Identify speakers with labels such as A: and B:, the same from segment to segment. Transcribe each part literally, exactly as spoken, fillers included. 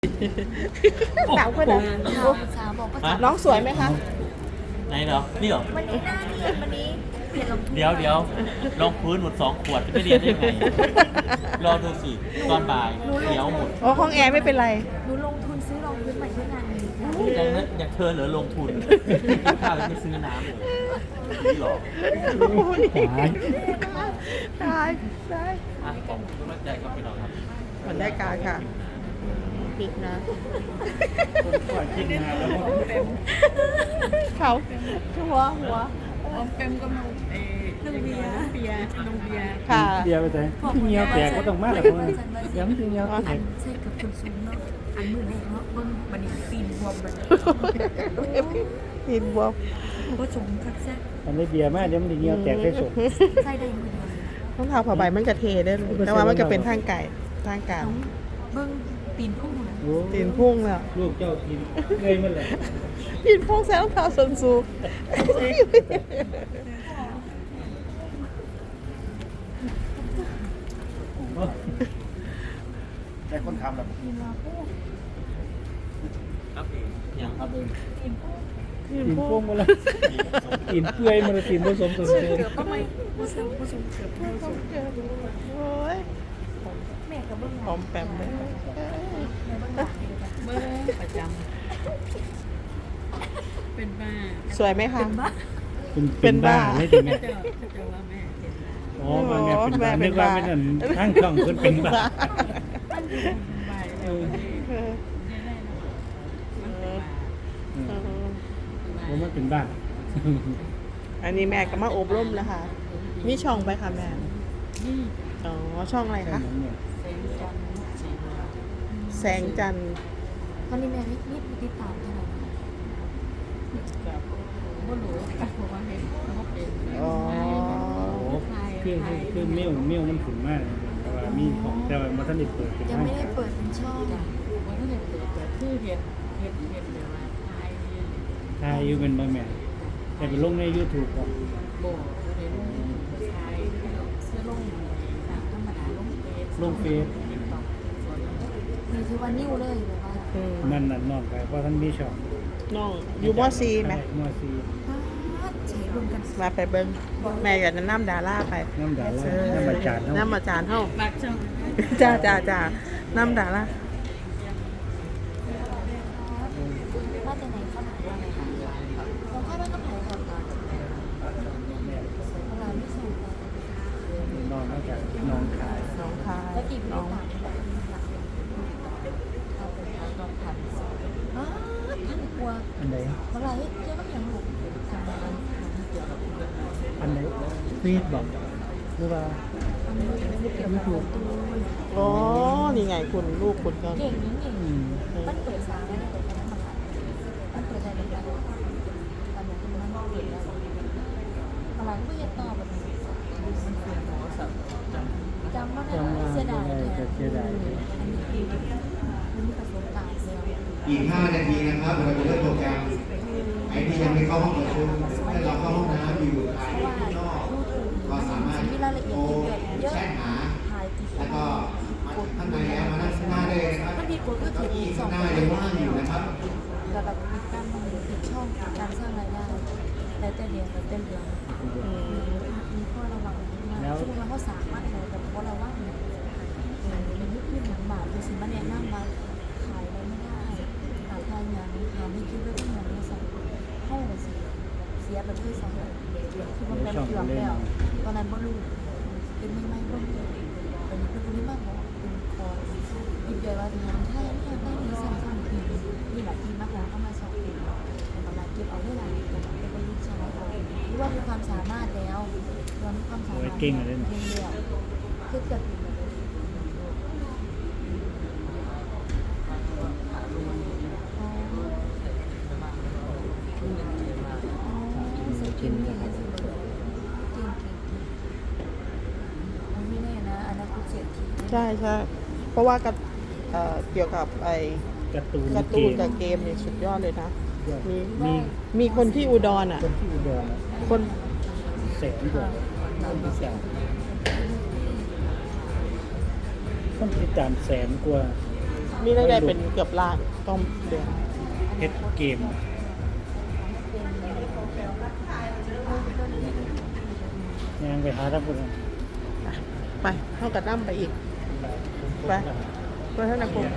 A: สาวคนนั้นสาวบอกว่าน้องสวยไหมคะ
B: ไหนเหรอนี่เหรอ
A: วันนี้หน้าเรียนวันนี้เปลี่ยนรอง
B: เดี๋ยวเดี๋ยวลองพื้นหมดสองขวดจะไม่เรียนได้ไงรอดูสิตอนบ่ายเดี๋ยวหมด
A: โอ้ห้องแอร์ไม่เป็นไรหนูลงทุนซื้อรองพื้นใหม่เพื่องานนี้
B: ยังนั้นอยากเธอเหลือลงทุนข้าวไม่ซื้อน้ำเลยหรอ
A: ตายตายตาย
B: อ่ะขอบคุณมากใจครับพี่น้องครับ
A: มันได้การค่ะปิดนะ
C: ก่อนกินมาแล้วก็เต็ม
A: เขาหัวหัว
C: อมเต็มก็มาเอน้องเบียร์เบียร์น้องเบียร์
A: ค่ะ
C: เบียร์ไปไหนที่เงี้ยวแตกก็ต้องมาแล้วคนย้ำที่เงี้ยวแตก
D: ใช่กับคนสูงเนาะอันมือแรกเนาะเบิ้งบันนี้ตีนบวมมัน
A: ตีนบวม
D: ก็สมคักแซ่
C: อันนี้เบียร์มากเดี๋ยวมันเงี้ยวแตกได้สม
D: ใช่ได้มือ
A: ต้องทาผ้าใบมันกระเทได้แต่ว่ามันก็เป็นทางไก่ทางการ
D: เบิ้งตีนพุ่งนะ
A: ตีนพุ่งแล้ว
C: ลูกเจ้าตีนเงยมันเลย
A: ตีนพุ่งแซงเท้าส้นสูง
C: แต่คนทำแบบ
B: ครับอย่างครับเลย
C: ตีนพุ่งมาแล้วตีนเปื่อยมาแล้วตีนผสมส่วนเกิน
D: เกือบก็ไม่ผสมผสมเกือบผสม
A: โอ้ย
D: แม่กับเบิ้ง
A: หอมแปมเลย
D: เบิ้งประจำเป็นบ้า
A: สวยไหมคะ
C: เป็นบ้าไม่ถึงแม่
D: เจ้าเจ้าว่าแม่
C: อ๋อมาแม่เป็นบ้านึกว่าเป็นอันทั้งช่องคนเป็นบ้าผมมันเป็นบ้า
A: อันนี้แม่ก็มาอบรมแล้วค่ะมีช่องไปค่ะแม่อ๋อช่องอะไรคะแสงจันทร์
D: ตอนนี้แม่ไม่นิดติดตามเท่าไหร่บ่รู้เพราะว่าเห็นเขาเป็น
A: อ๋อ
C: คือคือเมี่ยวเมี่ยวมันขุ่นมากแต่ว่ามีของแต่ว่ามันสนิทเปิด
D: ยังไม่ได้เปิดเป็นช่อง
B: มันก็เลยเปิดแต่คือเห็นเห็นเห็นเดี๋ยวว่าไทย
C: ไทยอยู่เป็นบะแม่แต่ไปลงใน YouTube ก่อน
B: โบเห็นไทยเสื้อลงตามธรรมดาลงเฟซ
C: ลงเฟซ
D: มีคือวันนิ้วเลยแบบว่า
C: นั่นนั่นนอนไปเพราะท่านมีช่อง
A: น้องอยู่มอซีไหม
C: มอซี
D: ใช้รวมกัน
A: มาไปเบิ้งแม่อยากจะน้ำดาราไป
C: น้ำดาราน้ำมาจาน
A: น้ำมาจานเท่า
D: บักช่อง
A: จ้าจ้าจ้าน้ำดารา
D: ว่าจะไหนเข้ามาว่าไงคะลองเข้าบ้านก็ผ่านก่อนก่อนร้านไม่ส่ง
C: นอนนอกจากนอนขาย
A: น้องคาย
D: แล้วกี่น้องท่านกลัว
C: อันไหน
D: เมื่อไรเจ้าก็ยังหลบ
C: อันไหนฟีดบอกหรือว่า
D: ไม่ถูก
A: อ๋อนี่ไงคุณลูกคุณ
D: ก็เก่งนี่เก่งมันเปิดสามแล้วเปิดแล้วมันเปิดใจเป็นการตอนนี้มันเปิดแล้วอะไรก็ยังตอบแบบนี้จำว่าเสียดาย
C: เสียดาย
D: อันนี้คือมันมีประสบการณ์แล้ว
E: อีกห้านาทีนะครับเราจะเริ่มโปรแกรมไอ้ที่ยังไม่เข้าห้องประชุมให้เราเข้าห้องน้ำอยู่ภายในนอกก็สามารถโทรแชทหาแล้วก็ข้างในแล้วมานั่งข้างหน้าได้เลยนะครับเก้าอี้ข้างหน้ายังว่างอยู่นะครับ
D: ระดับการมองเห็นช่องการสร้างรายได้แล้วแต่เรียนแล้วแต่เรียนมีข้อระวังมากซึ่งเราก็สามารถอะไรแต่เพราะเราว่ามันยุคที่หนังบาทคือสิ่งมันแนะนำมาขายอะไรไม่ได้หาทางอย่างหาไม่คิดว่าต้องอย่างนี้สั่งให้เลยสิเสียแบบด้วยซ้ำคือมันเป็นเกือบแล้วตอนนั้นบ่รู้เป็นไม่ไม่บ่รู้เป็นเป็นคนที่มากกว่าเป็นคอยิบใหญ่ว่าทำไทยไม่ได้มีสั่งสั่งทีนี่แหละที่มากแล้วเข้ามาสอบเป็นประมาณเก็บเอาได้หลายเป็นบรรลุชนะเราหรือว่ามีความสามารถแล้วเรามีความสามารถ
C: เก่งเลย
D: เก่งเดียวคือเกิดกินอย่างนี้สิเก่งเก่งไม่แน่นะอนาคตเศรษฐี
A: ใช่ใช่เพราะว่ากับเกี่ยวกับไอ้
C: การ์ตูน
A: การ์ตูนกับเกมเนี่ยสุดยอดเลยนะมี
C: มี
A: มีคนที่อุดรอ่ะ
C: คนที่อุดร
A: คน
C: แสนกว่าคนแสนคนติดตามแสนกว่า
A: มีรายได้เป็นเกือบล้านต้มเดือน
C: เฮ็ดเกมยังไปหาท่านผู้ชม
A: ไปเท่ากับน้ำไปอีก ไปไปเท่านั้นปุ๊บ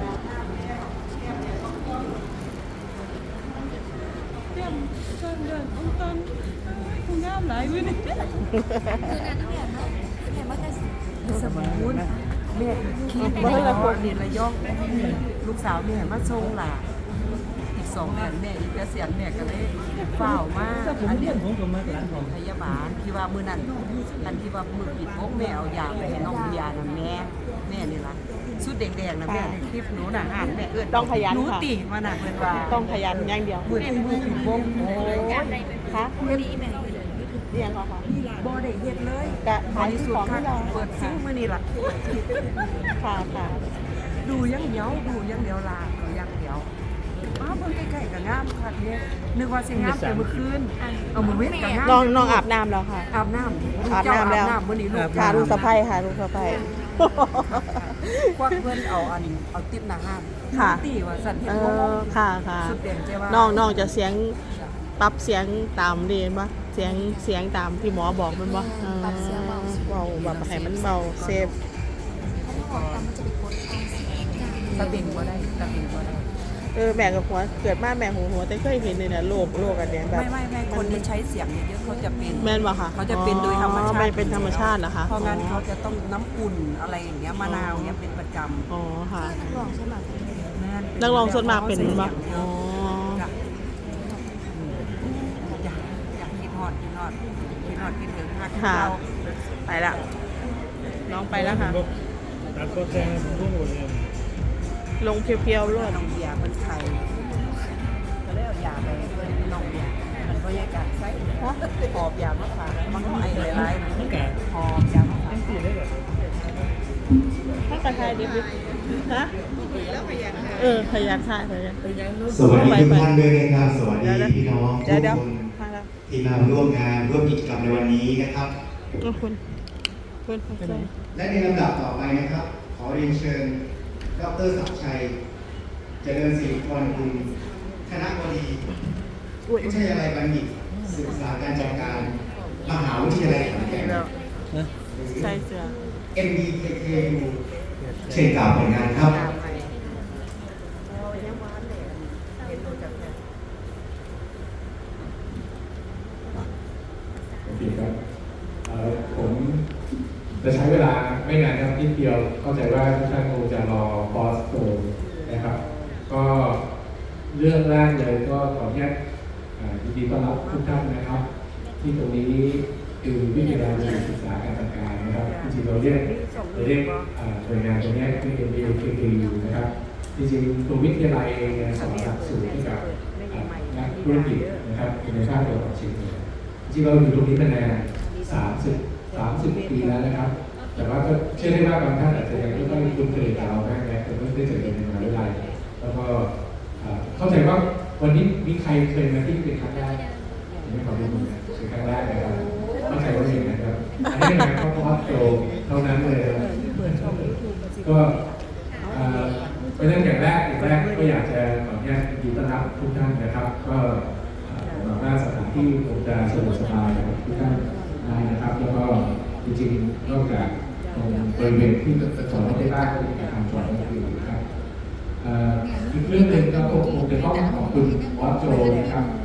F: เรื่องเรื่องเรื่ององค์ตันคงงามหลายวิน
D: คืองานที่แม่เนาะแม่ว่าจะสมุน
F: แม่คิด
A: มาเท่านั้นปุ๊บ
F: เรียนระยองลูกสาวแม่มาส่งหลานอีกสองเดือนแม่อีกเกษียณแม่ก็เลยเฝ้ามาก
C: ถ้าผม
F: อัน
C: เรี
F: นี้
C: ยนผมก็มาร้านของ
F: พยาบาลที่ว่ามือนั้นอันที่ว่ามือปิดพกแม่เอายาไปให้น้องยาน่ะแม่แม่นี่ล่ะสุดแดงๆนะแม่ในคลิปหนูน่ะอ่านแม่เอิ้น
A: ต้องขยัน
F: หนู
A: ค่ะ
F: ตีมาน่ะเพิ่นว่า
A: ต้องขยันอย่างเดียว
F: มือที่มือปิดพก
A: โอ้ยคะ
D: เฮ็ดอีแม่
A: เรียงเหรอคะ
F: บ่ได้เฮ็ดเลย
A: กะ
F: บ
A: ขาย
F: ริสุท
A: ของ
F: ธิ์ค่ะ
A: ที่เรา
F: เปิดซิ้งมื้อนี้ล่ะ
A: ค่ะค่ะ
F: ดูอยังเดียวดูอยังเดียวลาดูอยังเดียวอ้าวเพิ่งใกล้ๆกับงามค่ะเนี่ยนึกว่าสิงามแต่เมื่อคืนเอามือเว้นกับงาม
A: น้องน้องอาบน้ำแล้วค่ะ
F: อาบน้ำ
A: อาบน้ำแล้ว
F: เจ้าอาบน้ำมื้อนี้ลูก
A: ค่ะลูกสะใภ้ค่ะลูกสะใภ้
F: ควักเพิ่นเอาอันเอาติ๊บหน้าห้าง
A: ค่ะ
F: ตีว่าสั่นเฮ็
A: เอ
F: ดง
A: อง ค่ะค่ะ
F: สุดเด่นใจว่า
A: น้องน้องจะเสียงปรับเสียงตามเรียนปะเสียงเสียงตามที่หมอบอกมันปะเออ
D: ปรับเสียงเบา
A: เบาแบบให้มันเบาเซฟ
D: ถ้าไม่ออกตามมันจะไปกดเอาเสียงกลาง
F: ตะเบงบ่ได้ตะเบงบ่ได้
A: เออแม่กับหัวเกิดมาแม่หัวหัวแต่เคยเห็นเลยนะโรคโรคอันเนี้ยแบบ
F: ไม่ไม่ไม่คนที่ใช้เสียงเยอะๆเขาจะเป็น
A: แม่นปะคะ
F: เขาจะเป็นโดยธรรมชา
A: อ๋อ
F: ติ
A: ไม่เป็นธรรมชาติเหรอคะ
F: เพราะงั้นเขาจะต้องน้ำอุ่นอะไรอย่างเงี้ยมะนาวเงี้ยเป็นประจำ
A: อ๋อค่ะ
D: นักร้องใช่ไหม
F: แม่
A: นักร้องส่วนมากเป็นปะอ๋อ
F: จ้ะอยากอยากกินฮอดกินฮอดกินฮอดกินถึงหัก
A: ค่ะ
F: เรา
A: ไปละน้องไปแล้วค่ะ
C: ตัดก็แจ้งรุ่งหมดเลย
A: ลงเพียวๆรวด
F: น้องเบียร์เป็นไทยก็เลยเอายาไปเพื่อนน้องเบียร์มันก็แยกกันใส่หอบยามาฝากมันก็ไอหลาย
C: ตั้งแต่
F: ๆหอบยามาฝาก
C: ตั้งแต่ได้แบบ
A: ถ้ากระทายดิบฮะเออขยันค่ะขยัน
E: สวัสดีทุกท่านด้วยนะครับสวัสดีพี่น้องทุ
A: เดี๋ยว
E: ก
A: เดี๋ยว
E: คน
A: มาแล้ว
E: ที่มาร่วมงานร่วมกิจกรรมในวันนี้นะครับ
A: เอาคุณคุณคุณใจ
E: และในลำดับต่อไปนะครับ ขอเรียนเชิญดรศักดิ์ชัยเจริญศิริพรกุลคณะบดี
A: อุ้ย
E: วิทยาลัยบัณฑิตศึกษาการจัดการมหาวิทยาลัยขอนแก่น
A: แล้ว
C: นะ
A: ใส่เสื้อ
E: เอ็ม ดี เค เค ยู เชิญกล่าวผลงานครับ
F: ยาไปเรายังมาเลยเห็นดูจากแค่
G: โอเคครับเอ่อผมจะใช้เวลาไม่นานครับนิดเดียวเข้าใจว่าทุกท่านคงจะรอพอสโตนะครับ ก็เรื่องแรกเลยก็ขออนุญาตเอ่อยินดีต้อนรับทุกท่านนะครับ ที่ตรงนี้คือวิทยาลัยศึกษาการจัดการนะครับจริงๆเราเรียกเราเรียกเอ่อหน่วยงานตรงนี้คือ เอ็ม บี เค เค ยู นะครับจริงๆตัววิทยาลัยเองเนี่ยสอนหลักสูตรให้กับเอ่อนักธุรกิจนะครับในภาคตะวันออกเฉียงเหนือ จริงๆเราอยู่ตรงนี้มานานสามสิบ สามสิบปีแล้วนะครับ แต่ว่าก็เชื่อได้ว่าบางท่านอาจจะยังไม่ค่อยคุ้นเคยกับเรามากนะแต่เพิ่งได้เจอกันในมหาวิทยาลัยแล้วก็เอ่อเข้าใจว่าวันนี้มีใครเคยมาที่เป็นครั้งแรกไม่ขอรู้นะเป็นครั้งแรกนะครับเข้าใจว่าอย่างนั้นครับอันนี้เป็นงานข้อพอดโตเท่านั้นเลยนะก็เอ่อเป็นเรื่องอย่างแรกอย่างแรกก็อยากจะขออนุญาตยินดีต้อนรับทุกท่านนะครับก็หวังว่าสถานที่คงจะสะดวกสบายกับทุกท่านได้นะครับ แล้วก็จริงๆนอกจากตรงบริเวณที่จอดรถได้บ้างก็มีการทำจอดรถอยู่นะครับเอ่ออีกเรื่องหนึ่งก็คงจะต้องขอบคุณบอสโจนะครับ